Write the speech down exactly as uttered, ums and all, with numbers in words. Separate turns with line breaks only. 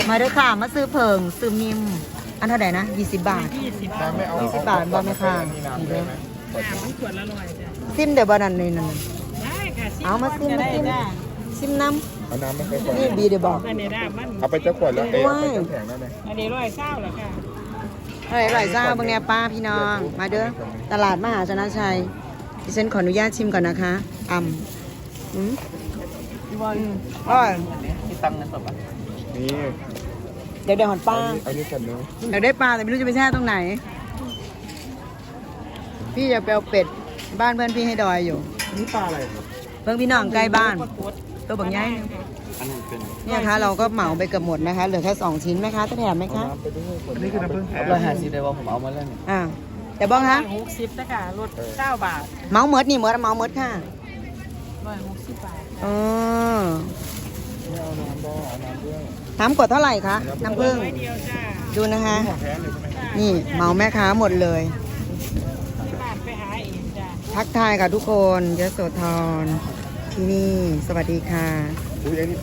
มาเด้อค่ะมาซื้อเพิงซื้อมิมอันเท่าไหร่นะยี่สิบบาท
ยี่สิบ
น้ำไม่เอา
ยี่สิบบาทบ่แม่ค้า
นี่น้ำได้ไหม
น้ำมันขวดละร้อยจ้ะ
ซิมเดี๋ยวบ่นั่นนี่นั่น
ได้ค่ะซิ
เอามาซิม
ก็
มา
ได้
ซิม
จ้ะ
ซิมน้
เอาน้ำไม่เคยขวด
ำนี่บีเดี๋ยวบอก
อันนี้ได้มัน
เอาไปเจ้าขวดแล้วเอ้ยเอาไปเจ้าแผงได้ไหม
อันนี้ร้อยเศร้าแล้วค่ะ
อร่อยอร่อยจ้าบางแนป้าพี่น้อง มาเด้อตลาดมหาชนะชัยดิฉันขออนุญาตชิมก่อนนะคะอ่ำอืมอร่อย
ที่ตั้งนั้นแบบว่า
นี่
เดี๋ยวเดี๋ยวหอนป้า
เอานี่กันนึง
เดี๋ยวได้ปลาแต่ไม่รู้จะไปแช่ตรงไหน พี่จะไปเอาเป็ดบ้านเพื่อนพี่ให้ดอยอยู่
นี่ปลาอะไรครับ
เพื่อนพี่น้องใกล้บ้านตัวบางย้าย
อันนั้นเป็น
เนี่ยคะเราก็เหมาไปเกือบหมดนะคะเหลือแค่สองชิ้นไหมคะจะแถมไหมคะ
น้ำไปด้วยขวดนี่คือน้ำผึ้งแท้
ร้อยห้าสิบได้ว่าผมเอามาแล้วเนี่ย
อ่าแต่บ้องคะ
หกสิบนะค่ะลดเก้าบาท
เมาเมิดนี่เมิดเมาเมิดค่ะ
ร้อยหกสิบบาท
อ๋อ
ไม่เอาน้ำบ่เอาน้ำด้วย
น้ำกดเท่าไหร่คะน้ำผึ้ง
ร้อยเดียวจ้า
ดูนะคะ
ของแท้เลยใช่ไหม
นี่เมาแม่ค้าหมดเลย
ที่บ้านไปหาเองจ้า
ทักทายค่ะทุกคนยโสธรที่นี่สวัสดีค่ะ
อุ้ยอันนี้